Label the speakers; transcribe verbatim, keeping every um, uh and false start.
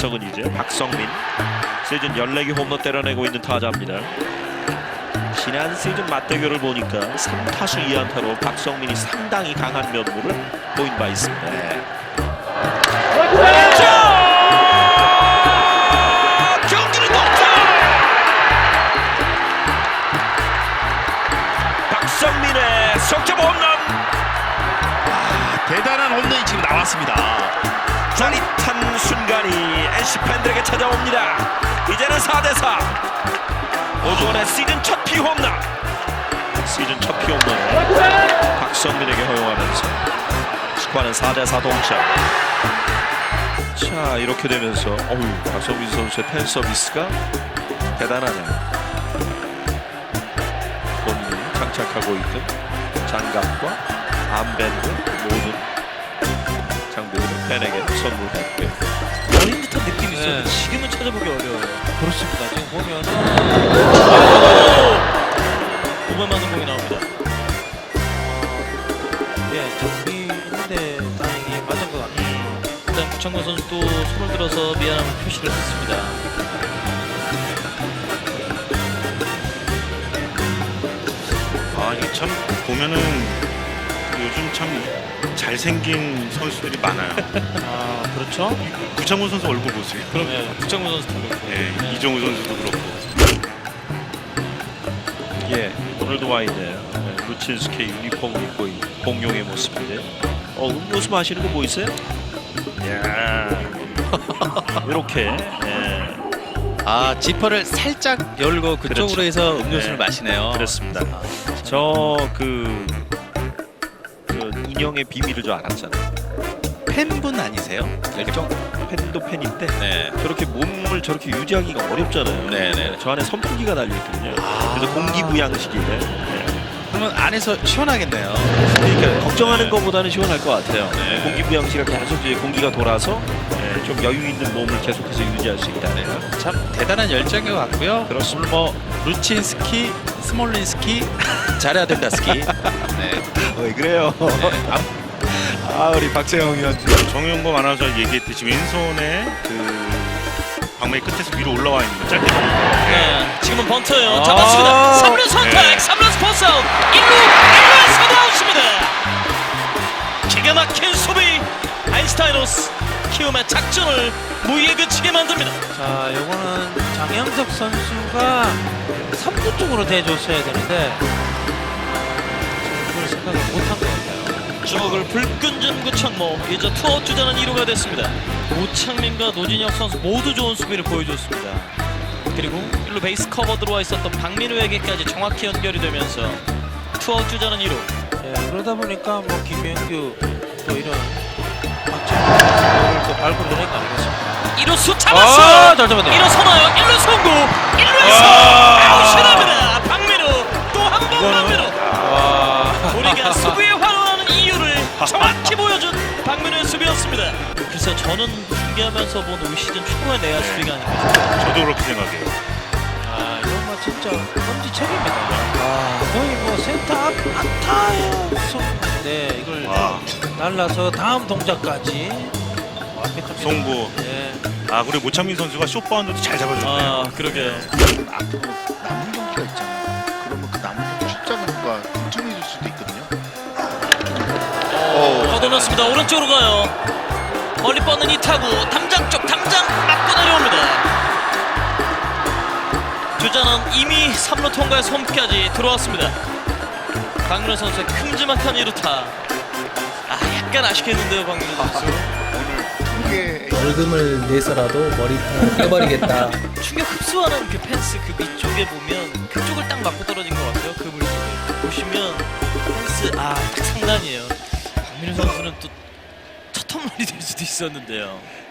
Speaker 1: 타석은 이제 박성민. 시즌 열네 개 홈런 때려내고 있는 타자입니다. 지난 시즌 맞대결을 보니까 삼 타수 이 안타로 박성민이 상당히 강한 면모를 보인 바 있습니다.
Speaker 2: 네.
Speaker 1: 경기는 동점! 박성민의 석점 홈런!
Speaker 2: 아, 대단한 홈런이 지금 나왔습니다.
Speaker 1: 짜릿한 순간이 엔씨 팬들에게 찾아옵니다. 이제는 사 대 사. 오주원의 시즌 첫 피홈런. 시즌 첫 피홈런을 박성민에게 허용하면서 스코어는 사 대 사 동점. 자, 이렇게 되면서 어휴, 박성민 선수의 팬 서비스가 대단하네요. 본인이 장착하고 있던 장갑과 암밴드 모든 장비를 팬에게 선물했고요.
Speaker 3: 어린 듯한 느낌이 있어요.
Speaker 4: 네.
Speaker 3: 지금은 찾아보기 어려워요.
Speaker 4: 그렇습니다. 지금 보면
Speaker 3: 오만 맞는 공이 나옵니다.
Speaker 4: 예, 장비 있는데 다행히 맞은 것 같네요.
Speaker 3: 일단 구창모 선수도 손을 들어서 미안함을 표시를 했습니다.
Speaker 2: 아, 이게 참 보면은 요즘 참 잘생긴 선수들이 많아요.
Speaker 4: 아, 그렇죠?
Speaker 2: 구창모 선수 얼굴 보세요.
Speaker 3: 그럼 예, 구창모 선수도 그렇고.
Speaker 2: 예,
Speaker 3: 네.
Speaker 2: 이정우 선수도 그렇고.
Speaker 1: 예, 오늘도 와 있네요. 네, 루친스케 유니폼을 입고 있는 공룡의 모습인데, 어, 음료수 마시는 거 뭐 있어요? 야, 이렇게. 예,
Speaker 5: 아, 지퍼를 살짝 열고 그쪽으로
Speaker 1: 그렇죠.
Speaker 5: 해서 음료수를
Speaker 1: 네.
Speaker 5: 마시네요.
Speaker 1: 그렇습니다. 저 그, 그 인형의 비밀을 저 알았잖아요.
Speaker 5: 팬분 아니세요?
Speaker 1: 열정 팬도 팬인데
Speaker 5: 네.
Speaker 1: 저렇게 몸을 저렇게 유지하기가 어렵잖아요.
Speaker 5: 네네.
Speaker 1: 저 안에 선풍기가 달려 있거든요.
Speaker 5: 아.
Speaker 1: 그래서 공기부양식이래. 네.
Speaker 5: 그러면 안에서 시원하겠네요.
Speaker 1: 그러니까 걱정하는 것보다는 시원할 것 같아요.
Speaker 5: 네.
Speaker 1: 공기부양식이 계속 이제 공기가 돌아서 네, 좀 여유 있는 몸을 계속해서 유지할 수 있다.
Speaker 5: 네. 참 대단한 열정인 것 같고요.
Speaker 1: 그렇습니다.
Speaker 5: 오늘 뭐 루친스키, 스몰린스키, 잘해야 된다 스키. 네.
Speaker 1: 왜 그래요?
Speaker 5: 네.
Speaker 1: 아, 우리 박세영 위원.
Speaker 2: 정용범 아나운서 얘기했듯이 왼손에 그 방망이 끝에서 위로 올라와 있는 거 짧게 보는 거.
Speaker 3: 네, 지금은 번트예요.
Speaker 1: 아.
Speaker 3: 잡았습니다. 삼 루 선택,
Speaker 2: 네.
Speaker 3: 삼 루 스포츠 아웃. 일 루, 일 루에서도 아웃입니다. 기가 막힌 수비. 아인슈타이노스 키움의 작전을 무의에 그치게 만듭니다.
Speaker 4: 자, 요거는 장영석 선수가 삼 루 쪽으로 대줬어야 되는데 그걸 생각을 못한 것 같아요.
Speaker 3: 주먹을 불끈 구창모. 이제 투아웃 주자는 이 루가 됐습니다. 우창민과 노진혁 선수 모두 좋은 수비를 보여줬습니다. 그리고 일 루 베이스 커버 들어와 있었던 박민우에게까지 정확히 연결이 되면서 투아웃 주자는 이 루.
Speaker 4: 예, 그러다 보니까 뭐 김명규 또 이런 박정희를 또 밟고 노는 거 아니겠습니까?
Speaker 3: 이 루수 잡았어요.
Speaker 4: 아, 잘 잡았네요.
Speaker 3: 일 루 선호요. 일 루 성구. 일 루에서 아웃이 납니다. 박민우 또 한 번 박민우. 우리가 수비에 환호하는 이유를 정확히 보여준 박민우의 수비였습니다. 글쎄 저는 중계하면서 본 올 시즌 최고의 내야 수비가 아닌가 싶어요.
Speaker 2: 저도 그렇게 생각해요.
Speaker 4: 아, 이건 뭐 진짜 엄지척입니다. 아, 거의 뭐 센터 앞 안타예요. 네, 이걸
Speaker 2: 와.
Speaker 4: 날라서 다음 동작까지 완벽합니다.
Speaker 2: 송구.
Speaker 4: 네.
Speaker 2: 아, 그리고 모창민 선수가 숏바운드도 잘 잡아줬네요.
Speaker 3: 아 그러게요.
Speaker 6: 앞으로 남은 경기가 있잖아요. 그러면 그 남은 경기 숫자가 걱정해줄 수도 있거든요.
Speaker 3: 걷어놓습니다. 오른쪽으로 가요. 멀리 뻗는 이 타구 담장 쪽 담장 맞고 내려옵니다. 주자는 이미 삼 루 통과해서 홈까지 들어왔습니다. 박민우 선수의 큼지막한 이 루타. 아 약간 아쉽겠는데요 박민우 선수.
Speaker 6: 오늘 두개
Speaker 7: 월급을 내서라도 머리통을 깨버리겠다.
Speaker 3: 충격 흡수하는 그 펜스 그 밑쪽에 보면 그쪽을 딱 맞고 떨어진 것 같아요. 그 물속에 보시면 펜스 아딱 상단이에요. 박민우 선수는 또 첫 홈런이 될 수도 있었는데요.